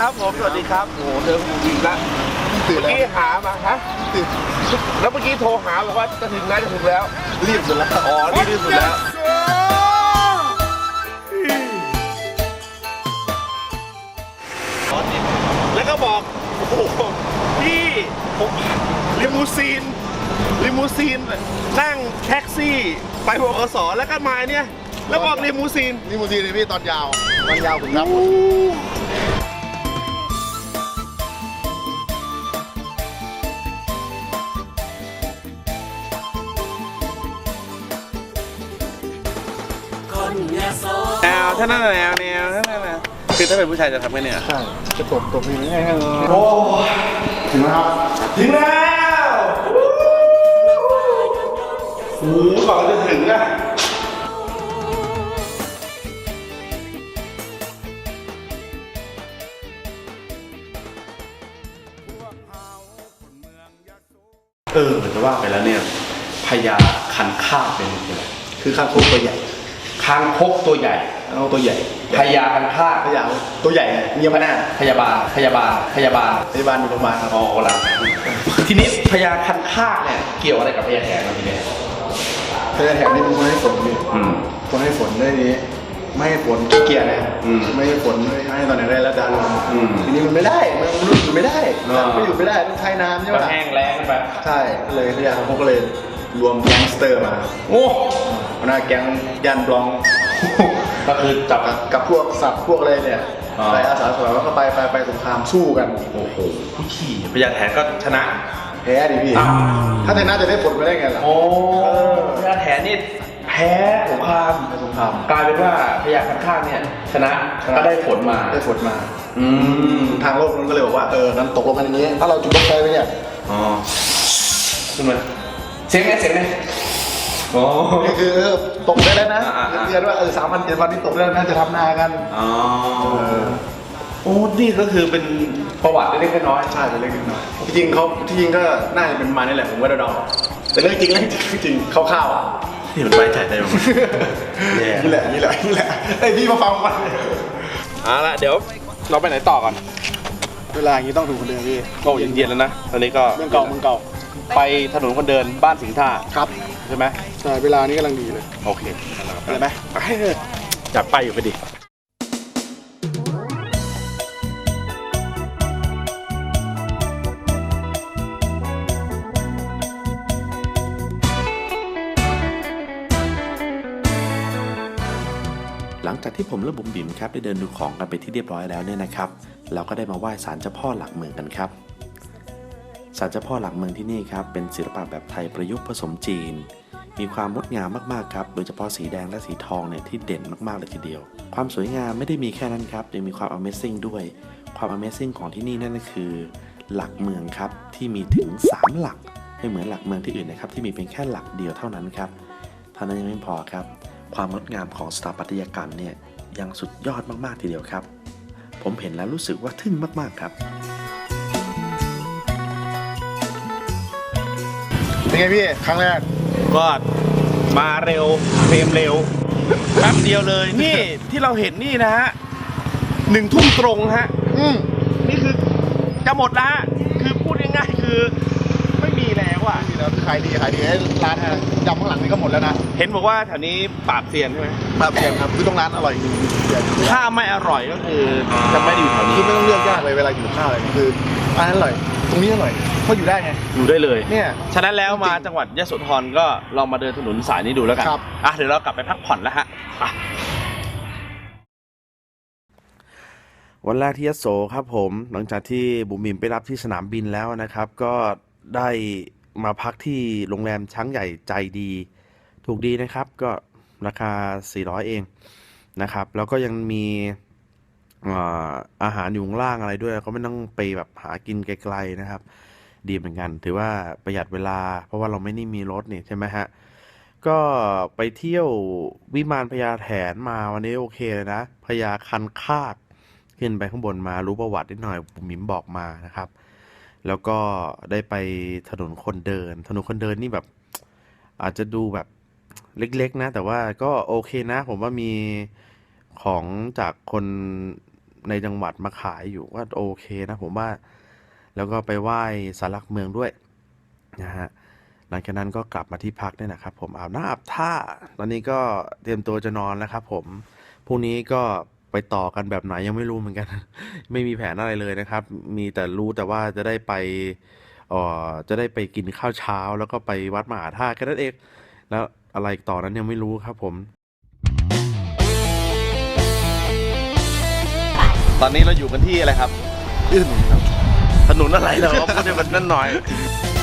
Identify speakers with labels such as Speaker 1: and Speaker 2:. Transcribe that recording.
Speaker 1: ครับผมสวัสดีครับโอ้โหเจอคุณอีกแล้ว
Speaker 2: ตื่น
Speaker 1: เมื่อ
Speaker 2: แล้ว
Speaker 1: กี้หามาฮะ
Speaker 2: ตื่น
Speaker 1: แล้วเมื่อกี้โทรหาบอกว่าจะถึงแล้วจะถึงแล้ว
Speaker 2: รีบสุดแล้ว
Speaker 1: อ๋อนี่ที่สุดแล้วแล้วก็บอกโอ้โหพี่ผมลิมูซีนนั่งแท็กซี่ไปบขสแล้วก็มาเนี่ยแล้วบอกลิมูซีน
Speaker 2: นี่มูซีเลยพี่ตอนยาวผมรับหมด
Speaker 1: แนวถ้านั่นแนวถ้านั่นนะคือถ้าเป็นผู้ชายจะทำไงเนี่ย
Speaker 2: ใช่จะตบนี่ง่ายๆ
Speaker 1: โอ้
Speaker 2: ถึงแล้วครับ
Speaker 1: ถึงแล้วโอ้โหก่อนจะถึงอะจะว่าไปแล้วเนี่ยพญาคันคากเป็นอะไร
Speaker 2: คือคางคกตัวใหญ่
Speaker 1: คางคกตัวใหญ่
Speaker 2: เอาตัวใหญ่
Speaker 1: พญาคันคาก
Speaker 2: พยาวตัวใหญ่เงียบหน้า
Speaker 1: พยาบาล
Speaker 2: พยาบาลอยู่ประมาณครับ
Speaker 1: อ๋อละทีนี้พญาคันคากเนี่ยเกี่ยวอะไรกับพญาแถนมาทีนี้
Speaker 2: พยาแถวนี่มันไม่ให้ฝนพี่คนให้ฝนได้นี้ไม่ให้ฝนเกียร์นะไม่ให้ฝนไม่ให้ตอนไหนได้แล้วดันทีนี้มันไม่ได้มันอยู่ไม่ได้ไม่อยู่ไม่ได้ต้องใช้น้ำใช่ไหม
Speaker 1: แห้งแล้งไป
Speaker 2: ใช่เลยพยาเขาก็เลยรวมแก๊งสเตอร์มา
Speaker 1: โอ้
Speaker 2: หัวหน้าแก๊งยันบลอง
Speaker 1: ก็คือจับ
Speaker 2: กับพวกสัตว์พวกอะไรเนี่ยไปอาสาสมัครแล้วก็ไปสงครามสู้กัน
Speaker 1: โอ้โหผู้ขี่พญาแถนก็ชนะ
Speaker 2: แพ้ดิพี่ ถ้าชนะจะได้ผลไปได้ไงล่ะ
Speaker 1: โอ้พญาแถนนี่แพ้สงคราม
Speaker 2: ไปสงคราม
Speaker 1: กลายเป็นว่าพญาคันคากเนี่ยชนะก็ได้ผลมา
Speaker 2: ได้ผลมาทางโลกนู้นก็เลยบอกว่างั้นตกลงกันอย่างนี้ ถ้าเราจุดรถไฟไปเนี่ย
Speaker 1: อ๋อขึ้นมาเสียงไงโอ้
Speaker 2: นี่คือตกได้แล้วนะ
Speaker 1: อ่า
Speaker 2: เดือนว่า3,000 7,000นี่ตกได้แล้วนะจะทำนากัน
Speaker 1: อ๋อโอ้นี่ก็คือเป็นประวัติเล็กๆน้อย
Speaker 2: ใช่เป็นเรื่องน้อยจริงเขาที่จริงก็น่าจะเป็นมานี่แหละผมว่าเดาๆแต่เรื่องจริงคร่าวๆอ่ะ
Speaker 1: ๆนี่มันไว้ใจได้ไหม
Speaker 2: นี่แหละไอ้พี่มาฟังมัน
Speaker 1: เอาละเดี๋ยวเราไปไหนต่อก่อน
Speaker 2: เวลาอย่างนี้ต้องถูกคนเดินพี่
Speaker 1: ก็เย็นๆแล้วนะตอนนี้ก็
Speaker 2: เมืองเก่า
Speaker 1: ไปถนนคนเดินบ้านสิงห์ท่า
Speaker 2: ครับ
Speaker 1: ใช่ไหม
Speaker 2: ใช่เวลานี้กำลังดีเลย
Speaker 1: โอเค
Speaker 2: ไปไหม
Speaker 1: ไปจับไปอยู่ไปดิหลังจากที่ผมและบุ๋มบิ๋มครับได้เดินดูของกันไปที่เรียบร้อยแล้วเนี่ยนะครับเราก็ได้มาไหว้ศาลเจ้าพ่อหลักเมืองกันครับศาลเจ้าพ่อหลักเมืองที่นี่ครับเป็นศิลปะแบบไทยประยุกต์ผสมจีนมีความงดงามมากๆครับโดยเฉพาะสีแดงและสีทองเนี่ยที่เด่นมากๆเลยทีเดียวความสวยงามไม่ได้มีแค่นั้นครับยังมีความ Amazing ด้วยความ Amazing ของที่นี่นั่นก็คือหลักเมืองครับที่มีถึง3หลักไม่เหมือนหลักเมืองที่อื่นนะครับที่มีเพียงแค่หลักเดียวเท่านั้นครับเท่านั้นยังไม่พอครับความงดงามของสถาปัตยกรรมเนี่ยยังสุดยอดมากๆทีเดียวครับผมเห็นแล้วรู้สึกว่าทึ่งมากๆครับ
Speaker 2: เป็นไงพี่ครั้งแรก
Speaker 1: ก็มาเร็วเพลมเร็วแป๊บเดียวเลยนี่ที่เราเห็นนี่นะฮะ1 ทุ่มตรงฮะนี่คือจะหมดละคือพูดง่ายๆคือไม่มีแล้วอ่ะ
Speaker 2: นี่แล้วขายดีให้ร้านยำข้างหลังนี่ก็หมดแล้วนะ
Speaker 1: เห็นบอกว่าแถวนี้ปราบเซียนใช่ไหม
Speaker 2: ครับเพียงครับคือตรงร้านอร่อยจริง
Speaker 1: ถ้าไม่อร่อยก็คือจะไม่ได้อยู่แถวนี้
Speaker 2: คือไม่ต้องเลือกยากเลยเวลาอยู่ข้าวอะไรคือร้านอร่อยตรงนี้อร่อยเขาอยู่ได้ไง
Speaker 1: อยู่ได้เลย
Speaker 2: เนี่ย
Speaker 1: ฉะนั้นแล้วมาจังหวัดยโสธรก็ลองมาเดินถนนสายนี้ดูแล้วกัน
Speaker 2: ครับ
Speaker 1: เดี๋ยวเรากลับไปพักผ่อนแล้วฮะวันแรกที่ยโสครับผมหลังจากที่บุ๋มบิ๋มไปรับที่สนามบินแล้วนะครับก็ได้มาพักที่โรงแรมช้างใหญ่ใจดีถูกดีนะครับก็ราคา400เองนะครับแล้วก็ยังมีอาหารอยู่ข้างล่างอะไรด้วยก็ไม่ต้องไปแบบหากินไกลๆนะครับดีเหมือนกันถือว่าประหยัดเวลาเพราะว่าเราไม่ได้มีรถนี่ใช่ไหมฮะก็ไปเที่ยววิมานพญาแถนมาวันนี้โอเคเลยนะพญาคันคากขึ้นไปข้างบนมารู้ประวัตินิดหน่อยบุ๋มบิ๋มบอกมานะครับแล้วก็ได้ไปถนนคนเดินนี่แบบอาจจะดูแบบเล็กๆนะแต่ว่าก็โอเคนะผมว่ามีของจากคนในจังหวัดมาขายอยู่ก็โอเคนะผมว่า แล้วก็ไปไหว้ศาลหลักเมืองด้วยนะฮะหลังจากนั้นก็กลับมาที่พักเนี่ยนะครับผมอาบน้ำอาบท่าตอนนี้ก็เตรียมตัวจะนอนแล้วครับผมพรุ่งนี้ก็ไปต่อกันแบบไหนยังไม่รู้เหมือน กัน ไม่มีแผนอะไรเลยนะครับ มีแต่รู้แต่ว่าจะได้ไปจะได้ไปกินข้าวเช้าแล้วก็ไปวัดมหาธาตุแค่นั้นเองแล้วอะไรต่อนั้นยังไม่รู้ครับผม
Speaker 3: ตอนนี้เราอยู่กันที่อะไรครับ
Speaker 1: ถนนอะไรเหรอพูดให้มันนั่นหน่อย